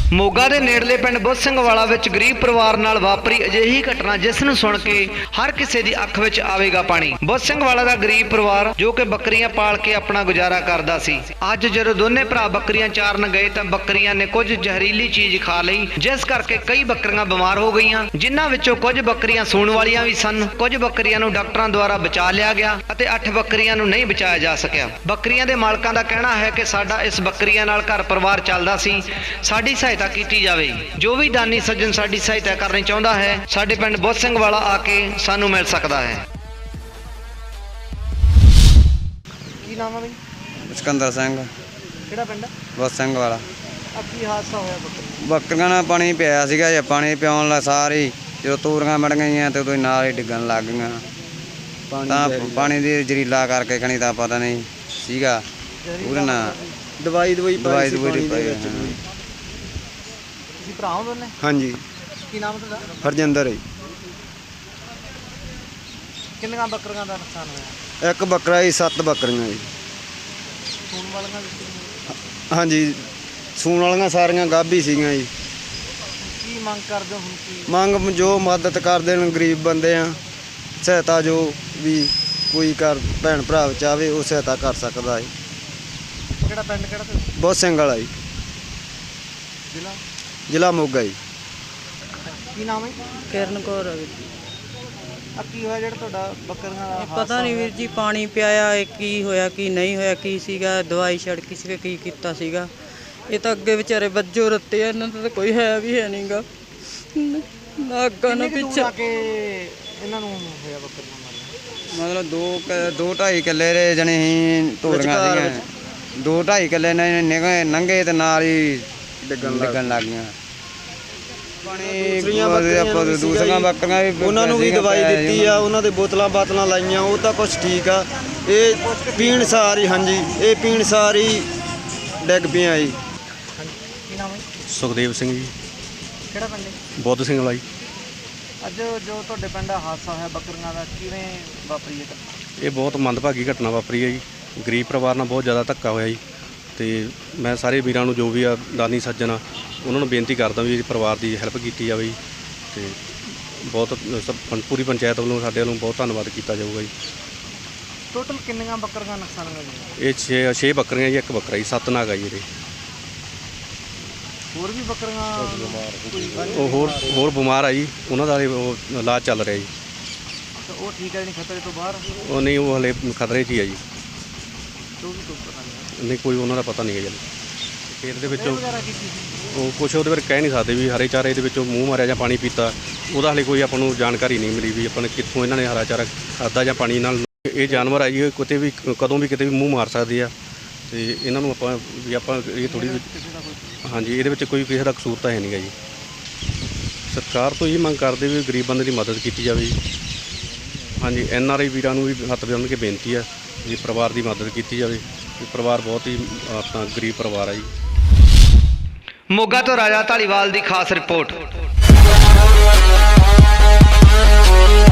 ਮੋਗਾ ਦੇ ਨੇੜਲੇ ਪਿੰਡ ਬੁੱਧ ਸਿੰਘ ਵਾਲਾ ਵਿੱਚ ਗਰੀਬ ਪਰਿਵਾਰ ਨਾਲ ਵਾਪਰੀ ਅਜਿਹੀ ਘਟਨਾ ਜਿਸ ਨੂੰ ਸੁਣ ਕੇ ਹਰ ਕਿਸੇ ਦੀ ਅੱਖ ਵਿੱਚ ਆਵੇਗਾ ਪਾਣੀ। ਬੁੱਧ ਸਿੰਘ ਵਾਲਾ ਦਾ ਗਰੀਬ ਪਰਿਵਾਰ ਜੋ ਕਿ ਬੱਕਰੀਆਂ ਪਾਲ ਕੇ ਆਪਣਾ ਗੁਜ਼ਾਰਾ ਕਰਦਾ ਸੀ, ਅੱਜ ਜਦੋਂ ਦੋਨੇ ਭਰਾ ਬੱਕਰੀਆਂ ਚਾਰਨ ਗਏ ਤਾਂ ਬੱਕਰੀਆਂ ਨੇ ਕੁਝ ਜ਼ਹਿਰੀਲੀ ਚੀਜ਼ ਖਾ ਲਈ, ਜਿਸ ਕਰਕੇ ਕਈ ਬੱਕਰੀਆਂ ਬਿਮਾਰ ਹੋ ਗਈਆਂ, ਜਿਨ੍ਹਾਂ ਵਿੱਚੋਂ ਕੁਝ ਬੱਕਰੀਆਂ ਸੂਣ ਵਾਲੀਆਂ ਵੀ ਸਨ। ਕੁਝ ਬੱਕਰੀਆਂ ਨੂੰ ਡਾਕਟਰਾਂ ਦੁਆਰਾ ਬਚਾ ਲਿਆ ਗਿਆ ਅਤੇ 8 ਬੱਕਰੀਆਂ ਨੂੰ ਨਹੀਂ ਬਚਾਇਆ ਜਾ ਸਕਿਆ। ਬੱਕਰੀਆਂ ਦੇ ਮਾਲਕਾਂ ਦਾ ਕਹਿਣਾ ਹੈ ਕਿ ਸਾਡਾ ਇਸ ਬੱਕਰੀਆਂ ਨਾਲ ਘਰ ਪਰਿਵਾਰ ਚੱਲਦਾ ਸੀ, ਸਾਡੀ ਸਹਾਇਤਾ ਕੀਤੀ ਜਾਵੇ। ਜੋ ਵੀ ਦਾਨੀ ਸੱਜਣ ਸਾਡੀ ਸਹਾਇਤਾ ਕਰਨੀ ਚਾਹੁੰਦਾ ਹੈ, ਸਾਡੇ ਪਿੰਡ ਬੁੱਧ ਸਿੰਘ ਵਾਲਾ ਆ ਕੇ ਸਾਨੂੰ ਮਿਲ ਸਕਦਾ ਹੈ। ਕੀ ਨਾਮ ਹੈ ਬਈ? ਸਿਕੰਦਰ ਸਿੰਘ। ਕਿਹੜਾ ਪਿੰਡ? ਬੁੱਧ ਸਿੰਘ ਵਾਲਾ। ਆ ਕੀ ਹਾਦਸਾ ਹੋਇਆ? ਬੱਕਰੀਆਂ ਨਾਲ ਪਾਣੀ ਪਿਆ ਸੀਗਾ ਜੇ ਪਾਣੀ ਪਿਆਉਣ ਲਾ ਸਾਰੀ ਜਦੋਂ ਤੂਰੀਆਂ ਮੜ ਗਈਆਂ ਤੇ ਉਦੋਂ ਨਾਲ ਹੀ ਡਿੱਗਣ ਲੱਗ ਗਈਆਂ। ਤਾਂ ਪਾਣੀ ਦੀ ਜ਼ਹਿਰੀਲਾ ਕਰਕੇ ਖਣੀ ਤਾਂ ਪਤਾ ਨਹੀਂ ਸੀਗਾ ਉਹਦੇ ਨਾਲ ਦਵਾਈ ਦਵਾਈ ਪਾਈ। ਤੁਸੀਂ ਭਰਾ ਹੋ ਦੋਨੇ? ਹਾਂਜੀ। ਕੀ ਨਾਮ ਤੁਹਾਡਾ? ਹਰਜਿੰਦਰ ਹੈ। ਕਿੰਨੀਆਂ ਬੱਕਰੀਆਂ ਦਾ ਨੁਕਸਾਨ ਹੋਇਆ? ਇੱਕ ਬੱਕਰਾ ਜੀ, 7 ਬੱਕਰੀਆਂ ਜੀ। ਸੂਣ ਵਾਲੀਆਂ ਵੀ? ਹਾਂਜੀ, ਸੂਣ ਵਾਲੀਆਂ ਸਾਰੀਆਂ ਗਾਭੀ ਸੀਗੀਆਂ ਜੀ। ਕੀ ਮੰਗ ਕਰਦੇ ਹੋ ਹੁਣ? ਕੀ ਮੰਗ ਜੋ ਮਦਦ ਕਰਦੇ ਨੇ, ਗਰੀਬ ਬੰਦੇ ਆ, ਸਹਾਇਤਾ ਜੋ ਵੀ ਕੋਈ ਕਰ ਭੈਣ ਭਰਾ ਚਾਹਵੇ ਉਹ ਸਹਾਇਤਾ ਕਰ ਸਕਦਾ ਹੈ। ਕਿਹੜਾ ਪਿੰਡ? ਕਿਹੜਾ ਤੁਸੀਂ? ਬੁੱਧ ਸਿੰਘ ਵਾਲਾ ਜੀ, ਜ਼ਿਲ੍ਹਾ? ਜ਼ਿਲ੍ਹਾ ਮੋਗਾ ਜੀ। ਕੀ ਨਾਮ ਹੈ? ਕਿਰਨ ਕੌਰ ਆ ਵੀਰ ਜੀ। ਆ ਕੀ ਹੋਇਆ ਜਿਹੜਾ ਤੁਹਾਡਾ ਬੱਕਰੀਆਂ ਦਾ ਪਤਾ ਨਹੀਂ ਵੀਰ ਜੀ, ਪਾਣੀ ਪਿਆਇਆ ਇਹ ਕੀ ਹੋਇਆ ਕੀ ਨਹੀਂ ਹੋਇਆ, ਕੀ ਸੀਗਾ, ਦਵਾਈ ਛੜਕੀ ਸੀ, ਕੀ ਕੀਤਾ ਸੀਗਾ। ਇਹ ਤਾਂ ਅੱਗੇ ਵਿਚਾਰੇ ਵੱਜੋ ਰੱਤੇ ਆ, ਇਹਨਾਂ ਦਾ ਤਾਂ ਕੋਈ ਹੈ ਵੀ ਹੈ ਨਹੀਂਗਾ ਨਾ ਅੱਗਾ ਨਾ ਪਿੱਛੇ। ਇਹਨਾਂ ਨੂੰ ਹੋਇਆ ਬੱਕਰੀਆਂ ਮਾਰੀਆਂ? ਮਤਲਬ 2.5 ਕਿੱਲੇ ਦੇ ਜਣੇ ਹੀ ਤੋੜੀਆਂ ਸੀਗੀਆਂ। 2.5 ਕਿੱਲੇ ਨੇ ਨੰਗੇ ਤੇ ਨਾਲ ਹੀ ਡਿੱਗਣ ਲੱਗ ਗਈਆਂ। ਦੂਸਰੀਆਂ ਬੱਕਰੀਆਂ ਵੀ ਉਹਨਾਂ ਨੂੰ ਵੀ ਦਵਾਈ ਦਿੱਤੀ ਆ, ਉਹਨਾਂ ਦੇ ਬੋਤਲਾਂ ਬਾਤਲਾਂ ਲਾਈਆਂ, ਉਹ ਤਾਂ ਕੁਛ ਠੀਕ ਆ। ਇਹ ਪੀਣ ਸਾਰੀ, ਹਾਂਜੀ, ਇਹ ਪੀਣ ਸਾਰੀ ਡਿੱਗ ਪਈਆਂ ਜੀ। ਕੀ ਨਾਮ ਹੈ? ਸੁਖਦੇਵ ਸਿੰਘ ਜੀ। ਕਿਹੜਾ ਪਿੰਡ? ਬੁੱਧ ਸਿੰਘ ਵਾਲਾ ਜੀ। ਅੱਜ ਜੋ ਤੁਹਾਡੇ ਪਿੰਡ ਹਾਦਸਾ ਹੋਇਆ ਬੱਕਰੀਆਂ ਦਾ, ਕਿਵੇਂ ਵਾਪਰੀ ਹੈ? ਇਹ ਬਹੁਤ ਮੰਦਭਾਗੀ ਘਟਨਾ ਵਾਪਰੀ ਹੈ ਜੀ। ਗਰੀਬ ਪਰਿਵਾਰ ਨਾਲ ਬਹੁਤ ਜ਼ਿਆਦਾ ਧੱਕਾ ਹੋਇਆ ਜੀ। ਅਤੇ ਮੈਂ ਸਾਰੇ ਵੀਰਾਂ ਨੂੰ ਜੋ ਵੀ ਆ ਦਾਨੀ ਸੱਜਣ ਆ ਉਹਨਾਂ ਨੂੰ ਬੇਨਤੀ ਕਰਦਾ ਵੀ ਪਰਿਵਾਰ ਦੀ ਹੈਲਪ ਕੀਤੀ ਜਾਵੇ ਜੀ। ਅਤੇ ਬਹੁਤ ਪੂਰੀ ਪੰਚਾਇਤ ਵੱਲੋਂ ਸਾਡੇ ਵੱਲੋਂ ਬਹੁਤ ਧੰਨਵਾਦ ਕੀਤਾ ਜਾਊਗਾ ਜੀ। ਟੋਟਲ ਕਿੰਨੀਆਂ ਬੱਕਰੀਆਂ ਨੁਕਸਾਨ ਹੋਇਆ ਜੀ? ਇਹ 6 ਬੱਕਰੀਆਂ ਜੀ, ਇੱਕ ਬੱਕਰਾ ਜੀ, 7 ਨਾਗ ਆ ਜੀ ਇਹਦੇ। ਹੋਰ ਵੀ ਬੱਕਰੀਆਂ ਉਹ ਹੋਰ ਬਿਮਾਰ ਆ ਜੀ, ਉਹਨਾਂ ਦਾ ਉਹ ਇਲਾਜ ਚੱਲ ਰਿਹਾ ਜੀ। ਉਹ ਠੀਕ ਹੈ ਨਹੀਂ? ਖਤਰੇ ਤੋਂ ਬਾਹਰ? ਉਹ ਨਹੀਂ, ਉਹ ਹਲੇ ਖਤਰੇ 'ਚ ਹੀ ਆ ਜੀ। ਜੋ ਵੀ ਕੋਈ ਪਤਾ ਨਹੀਂ? ਨਹੀਂ, ਕੋਈ ਉਹਨਾਂ ਦਾ ਪਤਾ ਨਹੀਂ ਹੈ ਜੀ। ਖੇਤ ਦੇ ਵਿੱਚੋਂ ਵਗੈਰਾ ਕੀਤੀ ਸੀ? ਉਹ ਕੁਛ ਉਹਦੇ ਬਾਰੇ ਕਹਿ ਨਹੀਂ ਸਕਦੇ ਵੀ ਹਰੇ ਚਾਰੇ ਦੇ ਵਿੱਚੋਂ ਮੂੰਹ ਮਾਰਿਆ ਜਾਂ ਪਾਣੀ ਪੀਤਾ, ਉਹਦਾ ਹਾਲੇ ਕੋਈ ਆਪਾਂ ਨੂੰ ਜਾਣਕਾਰੀ ਨਹੀਂ ਮਿਲੀ ਵੀ ਆਪਾਂ ਨੇ ਕਿੱਥੋਂ ਇਹਨਾਂ ਨੇ ਹਰਾ ਚਾਰਾ ਖਾਧਾ ਜਾਂ ਪਾਣੀ ਨਾਲ। ਇਹ ਜਾਨਵਰ ਆ ਜੀ, ਇਹ ਕਿਤੇ ਵੀ ਕਦੋਂ ਵੀ ਕਿਤੇ ਵੀ ਮੂੰਹ ਮਾਰ ਸਕਦੇ ਆ, ਅਤੇ ਇਹਨਾਂ ਨੂੰ ਆਪਾਂ ਇਹ ਥੋੜ੍ਹੀ, ਹਾਂਜੀ, ਇਹਦੇ ਵਿੱਚ ਕੋਈ ਕਿਸੇ ਦਾ ਕਸੂਰ ਤਾਂ ਹੈ ਨਹੀਂ ਗਾ ਜੀ। ਸਰਕਾਰ ਤੋਂ ਇਹ ਮੰਗ ਕਰਦੇ ਵੀ ਗਰੀਬ ਬੰਦੇ ਦੀ ਮਦਦ ਕੀਤੀ ਜਾਵੇ ਜੀ। ਹਾਂਜੀ, NRI ਵੀਰਾਂ ਨੂੰ ਵੀ ਹੱਥ ਬੰਨ੍ਹ ਕੇ ਬੇਨਤੀ ਆ ਵੀ ਪਰਿਵਾਰ ਦੀ ਮਦਦ ਕੀਤੀ ਜਾਵੇ। ਪਰਿਵਾਰ ਬਹੁਤ ਹੀ ਆਪਣਾ ਗਰੀਬ ਪਰਿਵਾਰ ਆ ਜੀ। ਮੋਗਾ ਤੋਂ ਰਾਜਾ ਧਾਲੀਵਾਲ ਦੀ ਖਾਸ ਰਿਪੋਰਟ।